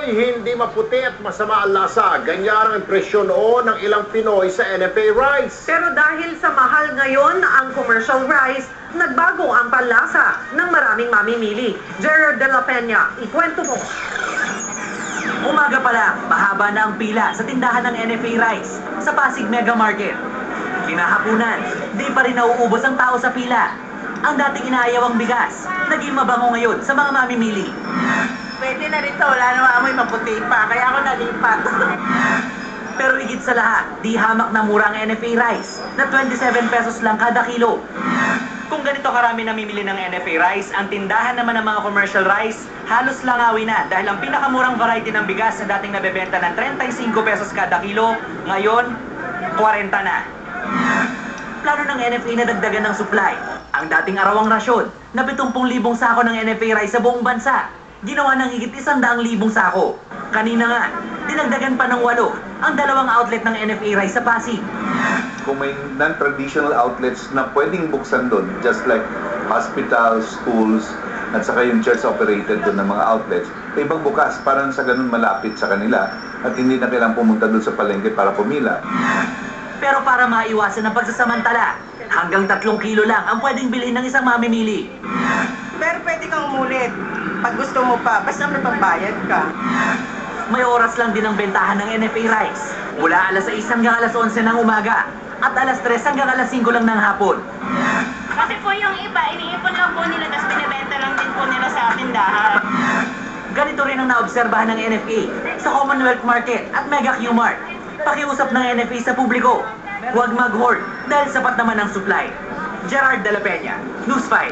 Pinoy, hindi maputi at masama ang lasa. Ganyan ang impresyon noon ng ilang Pinoy sa NFA rice. Pero dahil sa mahal ngayon ang commercial rice, nagbago ang panlasa ng maraming mamimili. Gerard de la Peña, ikwento mo. Umaga pa lang, mahaba na ang pila sa tindahan ng NFA Rice sa Pasig Mega Market. Kinahapunan, di pa rin nauubos ang tao sa pila. Ang dating inaayaw ang bigas, naging mabango ngayon sa mga mamimili. Pwede na rito, wala namang amoy maputi pa, kaya ako nalipat. Pero higit sa lahat, di hamak na mura ang NFA Rice na 27 pesos lang kada kilo. Kung ganito karami namimili ng NFA Rice, ang tindahan naman ng mga commercial rice, halos langawi na dahil ang pinakamurang variety ng bigas na dating nabebenta ng 35 pesos kada kilo, ngayon, 40 na. Plano ng NFA na dagdagan ng supply. Ang dating arawang rasyon na 70,000 sako ng NFA Rice sa buong bansa, ginawa ng higit 100,000 sako. Kanina nga, dinagdagan pa ng 8 ang dalawang outlet ng NFA Rice sa Pasig. Kung may non-traditional outlets na pwedeng buksan doon, just like hospitals, schools, at saka yung church operated doon ng mga outlets, ibang bukas para sa ganun malapit sa kanila at hindi na kailangang pumunta doon sa palengke para pumila. Pero para maiwasan ang pagsasamantala, hanggang 3 kilo lang ang pwedeng bilhin ng isang mamimili. Pero pwede kang umulit pag gusto mo pa, basta may pambayad ka. May oras lang din ang bentahan ng NFA Rice. Mula alas 6 hanggang alas 11 ng umaga at alas 3 hanggang alas 5 lang ng hapon. Kasi po yung iba, iniipon lang po nila, tapos binibenta lang din po nila sa tindahan. Ganito rin ang naobserbahan ng NFA sa Commonwealth Market at Mega Q-Mart. Pakiusap ng NFA sa publiko, huwag mag-hoard dahil sapat naman ang supply. Gerard de la Peña, News 5.